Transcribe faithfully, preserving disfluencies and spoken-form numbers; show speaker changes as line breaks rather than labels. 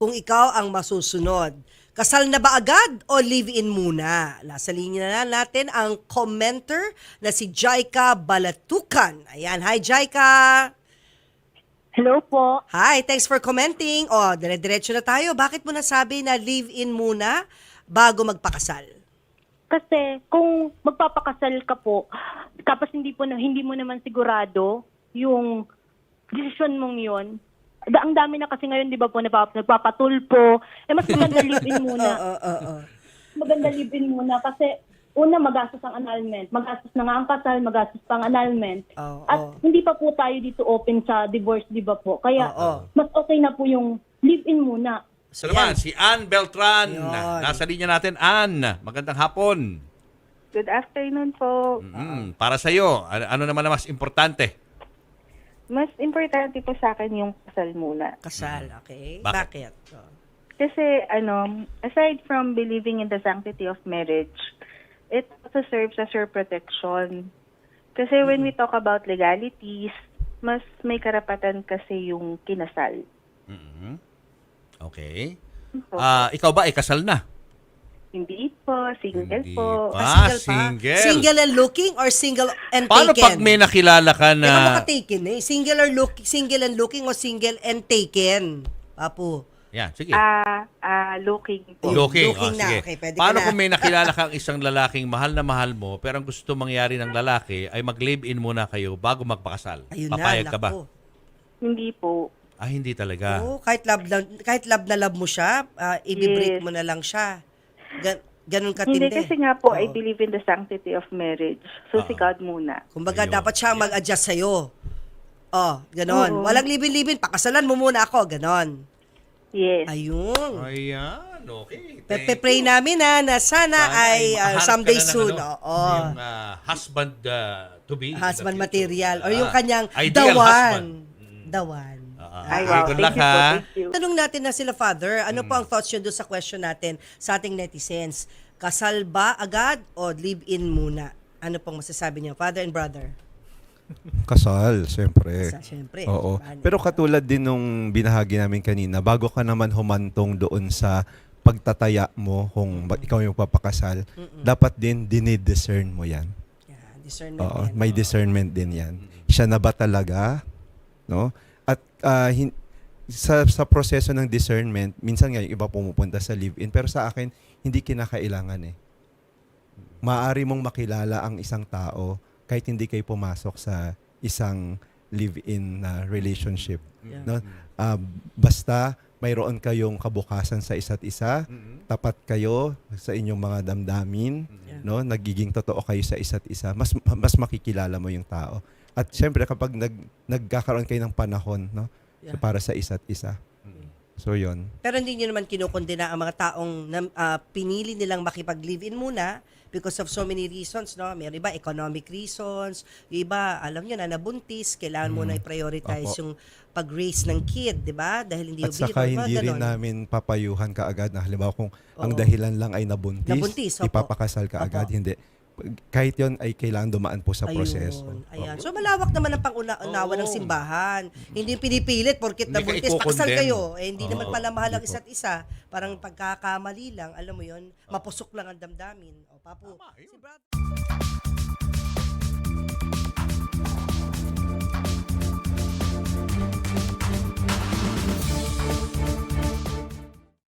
kung ikaw ang masusunod. Kasal na ba agad o live-in muna? Nasa linya na natin ang commenter na si Jaika Balatukan. Ayan, hi Jaika!
Hello po.
Hi, thanks for commenting. O, dire-diretso na tayo. Bakit mo nasabi na live-in muna bago magpakasal?
Kasi kung magpapakasal ka po, tapos hindi po na, hindi mo naman sigurado yung desisyon mong 'yon. Da, ang dami na kasi ngayon, 'di ba po, napap- nagpapatulpo. Eh mas maganda live-in muna.
Oo, oo, oo.
Maganda live-in muna kasi una magastos ang annulment, magastos na nga ang kasal, magastos pa ang annulment.
Oo,
At
oo.
hindi pa po tayo dito open sa divorce, 'di ba po? Kaya
Oo.
mas okay na po yung live-in muna.
Ito naman, si Ann Beltran.
Yun.
Nasa linya natin, Ann. Magandang hapon.
Good afternoon po.
Mm, para sa iyo, ano, ano naman ang mas importante?
Mas importante po sa akin yung kasal muna.
Kasal, okay?
Bakit?
Bakit? Oh.
Kasi ano, aside from believing in the sanctity of marriage, it also serves as your protection. Kasi when we talk about legalities, mas may karapatan kasi yung kinasal.
Mhm. Okay. Ah, ikaw ba ay kasal na?
Hindi po, single
Hindi
po.
pa.
Ah, single pa?
single.
Single and looking or single and
Paano
taken?
pag may nakilala ka
Teka mo
na...
ka-taken eh. Single or look, single and looking o single and taken? Papu.
Yan, sige.
Ah, ah, looking po.
Looking.
looking
Oh,
na.
sige.
Okay, pwede ka
Paano
na.
kung may nakilala kang isang lalaking mahal na mahal mo, pero ang gusto mangyari ng lalaki ay mag-live-in muna kayo bago magpakasal?
Ayun
Papayag
na,
ka ba?
naku.
Hindi po.
Ah, hindi talaga.
Oo, kahit love, na, kahit love na love mo siya, ah, i-break
Yes.
mo na lang siya. Gan, ganun
Hindi
katindi.
kasi nga po, I
Oo.
believe in the sanctity of marriage. So,
Ah.
si God muna.
Kumbaga,
Ayun.
dapat siya mag-adjust sa'yo. Oh, ganon.
Oo.
Walang libin-libin, pakasalan mo muna ako, ganon.
Yes.
Ayun.
Ayan, okay. Thank
Pe-pray
you.
namin na, na sana, ay ah,
makahanap
someday
ka na ng
soon.
ano,
Oo.
Yung ah, husband ah, to be. in the
Husband
future.
material. Or
Ah,
yung kanyang
ideal
the
husband.
one. The one.
Ah,
Ay,
okay,
wow.
good
Thank
luck
you po.
ha.
Thank you.
Tanong natin na sila, Father, ano po ang thoughts nyo doon sa question natin sa ating netizens? Kasal ba agad o live-in muna? Ano pong masasabi niyo, Father and Brother?
Kasal, siyempre.
Kasal, syempre.
Oo.
Paano?
Pero katulad din nung binahagi namin kanina, bago ka naman humantong doon sa pagtataya mo kung ba- ikaw yung papakasal, dapat din dinidiscern mo yan.
Yeah, discernment
Oo,
yan.
may discernment din yan. Siya na ba talaga? No? At ah, hin- sa, sa proseso ng discernment, minsan nga yung iba pumupunta sa live-in, pero sa akin, hindi kinakailangan eh. Maaari mong makilala ang isang tao kahit hindi kayo pumasok sa isang live-in na relationship.
Yeah.
No? Ah, basta mayroon kayong kabukasan sa isa't isa, tapat kayo sa inyong mga damdamin,
Yeah.
no? Nagiging totoo kayo sa isa't isa, mas mas makikilala mo yung tao. At syempre kapag nag nagkakaroon kayo ng panahon, no?
Yeah.
Para sa isa't isa. So 'yon.
Pero hindi niyo naman kinukondena ang mga taong na, ah, pinili nilang makipag-live-in muna because of so many reasons, no? May iba, economic reasons. Yung iba, alam niyo na, nabuntis, kailangan mo na i-prioritize
Opo.
yung pag-raise ng kid, di ba? Dahil hindi
At
yung
saka
biro,
hindi
mga
rin
ganon.
namin papayuhan kaagad na halimbawa kung ang
Oo.
dahilan lang ay nabuntis,
Nabuntis, opo.
ipapakasal ka agad,
Opo.
hindi. Kahit 'yon ay kailangan dumaan po sa
Ayun,
proseso.
Ayan.
Opo.
So malawak naman ang pang-unawa ng
Oo.
simbahan. Hindi yung pinipilit porkit
Hindi ka
nabuntis, pakasal
iko-condemn.
kayo. Eh, hindi
Oo.
naman pala mahal ang
Hindi po.
isa't isa. Parang pagkakamali lang, alam mo yon, mapusok lang ang damdamin. O, papu.
Tama, yun.
Si Brad-